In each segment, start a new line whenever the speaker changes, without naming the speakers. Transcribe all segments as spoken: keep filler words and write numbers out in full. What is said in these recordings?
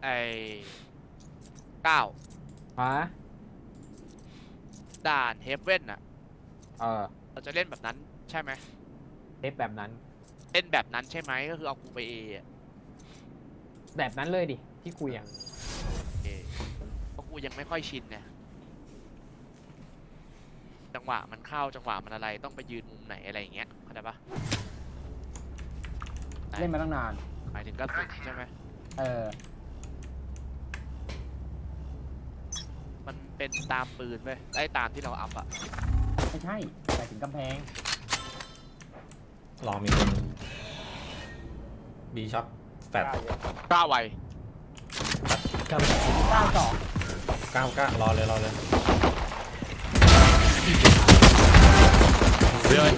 อ้เก้า
ฮะ
ด่านเฮฟเว่นอะ
เออ
เราจะเล่นแบบนั้นใช่ไหม
เทปแบบนั้น
เล่นแบบนั้นใช่ไหมก็คือเอากูไปเออะ
แบบนั้นเลยดิที่คุยอ่ะ
เอเพราะกูยังไม่ค่อยชินเนี่ยจังหวะมันเข้าจังหวะมันอะไรต้องไปยืนมุมไหนอะไรอย่างเงี้ยเข้าใจปะ
เล่นมาตั้งนาน
หมายถึงกระสุนใช่ไหม
เออ
มันเป็นตามปืนไปไอ้ตามที่เราอัพอะ
ไม่ใช่ไปถึงกำแพง
รอมีคนบีช็อตแฟด
กล้าไว
เก้าสอง
เก้าเก้ารอเลยรอเลย
เรื่อย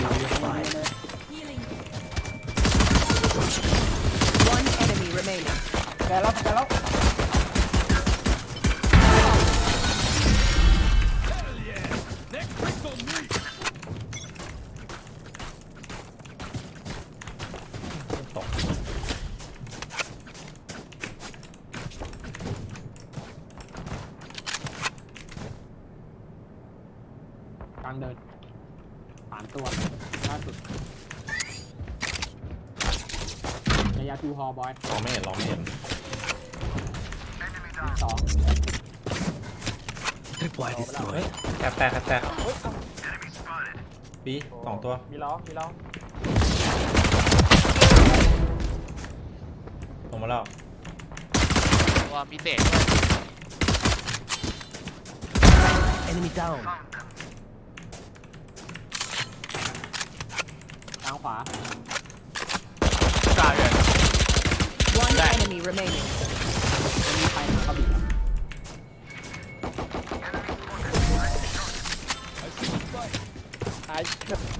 One enemy remaining.
แกแล้วแกแล้ว
ตก
กลางเดินสามตัวล่าสุดระยะทูฮอบอย
รอไม่เห็นรอไม่เห็น
สอง
Tripwire destroyed.
แตกแตกแตกบีสองตัว
มีล้อมีล้อ
ลงมาแล้ว
ตัวมีเศษด้วย
Enemy down.
ทางขวา
กล้าเลย
One enemy remaining.
มีใครมาเขาบีบตาย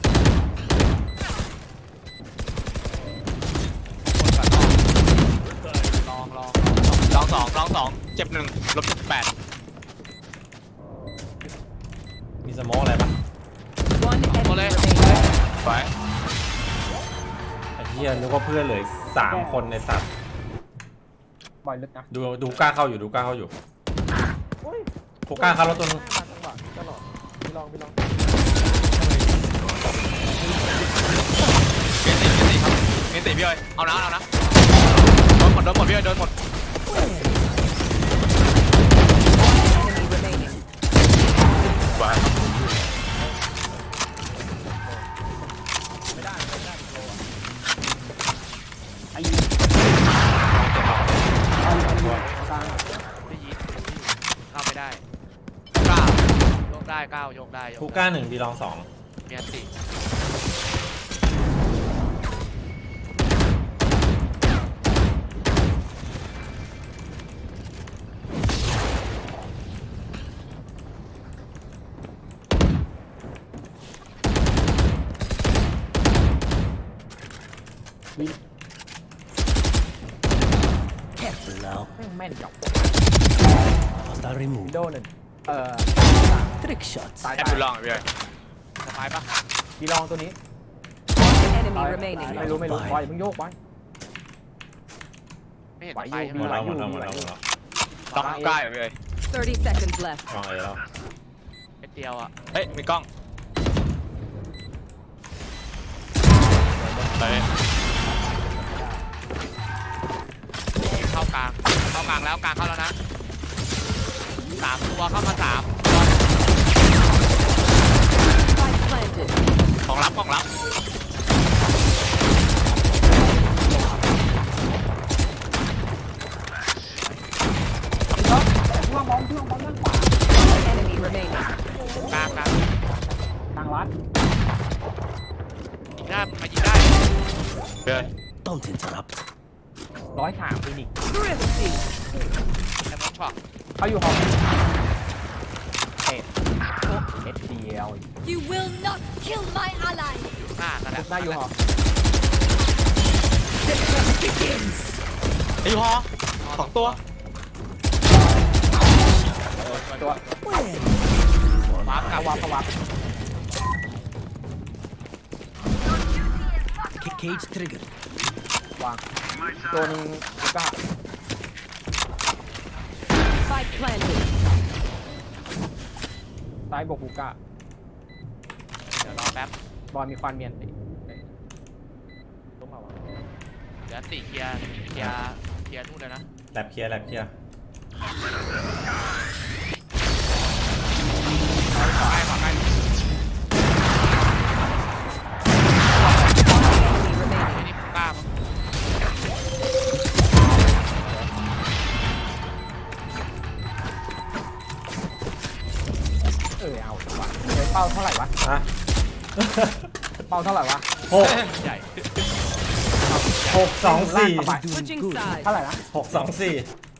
ลองลอง
ลองสองลองสองเจ็บหนึ่งลบเจ็ดแปด
มีสโมองอะไรปะ
One
หมด
enemy
เลย
remaining.
ไป
ไอ้เหี้ยนึกว่าเพื่อนเหลือสามคนในสัตว์
บอยลึกนะ
ดูดูกล้าเข้าอยู่ดูกล้าเข้าอยู่กูกล้าเข้ารถตัวนึง
จังหวะตลอดพี่ลองพี่ลอง
เมนติพี่เอ้ยเอานะเอานะโดนหมดโดนหมดพี่เอ้ยโดนหมด
Enemy remaining.
ไป
ไม่ได้ไม่ได้โลอ่ะไอ้ยิงเอาอยู่เอาอยู่กลาง
ได้ยินเข้าไม่ได้ก้าวโยกได้ก้าวโยกได้โย
กู
ก
กล้าหนึ่งบีลองสอง
เมียนติ
วิน
Careful now.
แม่งแม่นจับ
Hostile
วิน
removed.
โดว์หนึ่งเอ่อ
Trick shots.
ตาย
แอป
ตาย
ดูลองพี่เอ้ยสบายปะ
บีลองตัวนี้
Enemy
ตาย
remaining.
ไม่รู้ไม่รู้บอยมึงโยกไว้
ไม่เห็น
ไหว
ไป
อยู่
ใช่
ห
ไห
ม
ม
ดแล้วหมดแล้วหมดแล้วหมดแล้ว
ต้องใกล้พี่เอ้ย
Thirty seconds left.
ลองเอแล้ว
เป็นเดียวอ่ะ
เฮ้ย มีกล้องไป
เข้ากลางเข้ากลางแล้วกลางเข้าแล้วนะสามตัวเข้ามาสาม
Spike planted.
ของรับของรับ
เพื่อนบอลเพื่อนบอลด้านขวา
Enemy remaining.
กลางกลาง
ทางรัด
ยิงได้มายิงได้
เพื่อน
Don't interrupt.
ร้อยสามฟินิก
Thrifty.
แต่มันช็อต
เขาอยู่ห้องเอ็ดเอ็ดเดียว
You will not kill my ally.
หน้านั่นแหละ
หน้าอยู่ห้อง
ไอ้ยูฮอสองตัว
ตัว
วาร์ปกลับ
วับเขาวับ
Cage trigger.
วางตัวนึงก็
Spike planted.
ซ้ายบวกฮูก้า
เดี๋ยวรอแป๊บบ
อลมีควันเมียนติต้องมาวะ
เดี๋ยวติเคลียร์เคลียร์เคลียร์นู่นเลยนะ
แลบเคลียร์แลบเคลียร์
ขอให้ขอให้
Enemy remaining.
นี่กล้ามั้ง
เออเอาวะเฮ้ยเป้าเท่าไหร่วะ
อะ
เป้าเท่าไหร่วะ
หก
ใหญ่
หกสองสี่
ลากเข้าไป
Switching sides.
เท่าไหร่นะ
หกสองสี่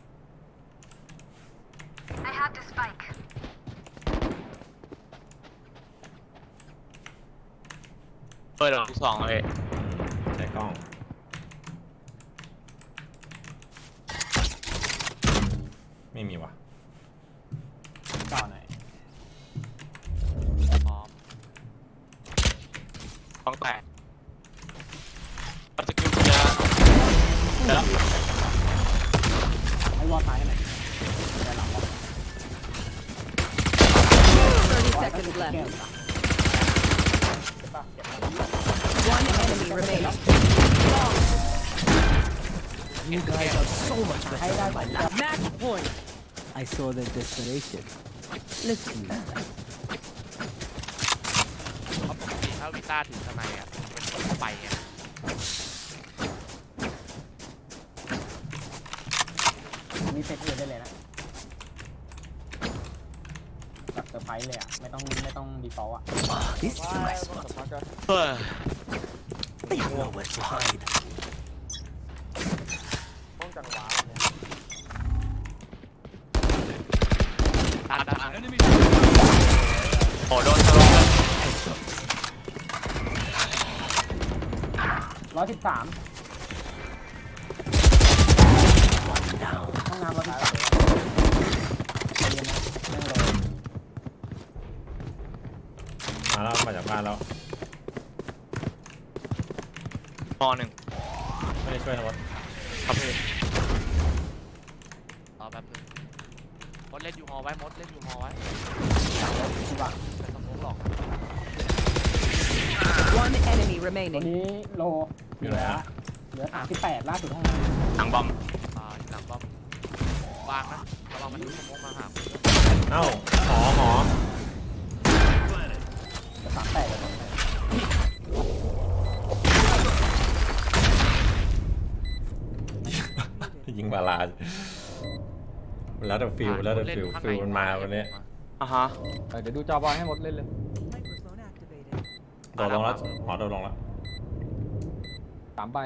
เปิดหลังทุกสองเลย
ใช้กล้อง ไม่มีวะ
ต่อหน่อย
พร้อม
ต้องแตกเราจะกินยาเดี๋ยว
ให้วอลซ้ายให้หน่อยแต่หลังบอล
thirty seconds left. One enemy remaining.
You guys are so much better than my last.
Match point.
I saw the desperation. Let's do that.
เพราะปกติถ้าวิต้าถือสไนอ่ะมันไปไง
มีเซตอื่นได้เลยนะแบบเซอร์ไพรส์เลยอ่ะไม่ต้องไม่ต้องดีฟอลต์อ่ะ
Ah, this is my spot.
เฮ้ย
They have nowhere to hide.
ต้องจังหวะ
ตัดตัด
โอ้โดนทะลุเลย
ร้อยสิบสาม
One down.
ห้องน้ำร้อยสิบสามใจเย็นนะนั่งรอ
มาแล้วมาจากบ้านแล้ว
มอหนึ่ง
ไม่ได้ช่วยนะวะ
ครับพี่
รอแป๊บนึงมดเล่นยูฮอไว้มดเล่นยูฮอไว้
ที่ว่า
ไม่ต้องมุกหรอก
One enemy
ตัว
remaining.
นี้โล
อยู่ไหนอะ
เหลือสามสิบแปดล่าสุดห้องน้
หลังบอม
อ่าหลังบอมวางนะระวังมันดูสมองมาหาคุณ
เอ้าหอหอ
ำจะสามแปดเลย
ยิงบาลาดแล้วแต่ฟิลแล้วแต่ฟิลฟิลมันมาวันนี้
อ่ะฮะ
เออเดี๋ยวดูจอบอลให้หมดเล่นเลย
โดดลงแล้วหอโดดลงแล้ว
สามใบ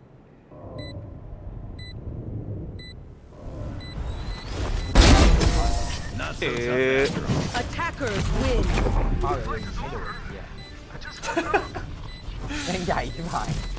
เออ
Attackers win.
เป้าเลยไม่โดนเหี้ยแม่งใหญ่ใช่ไหม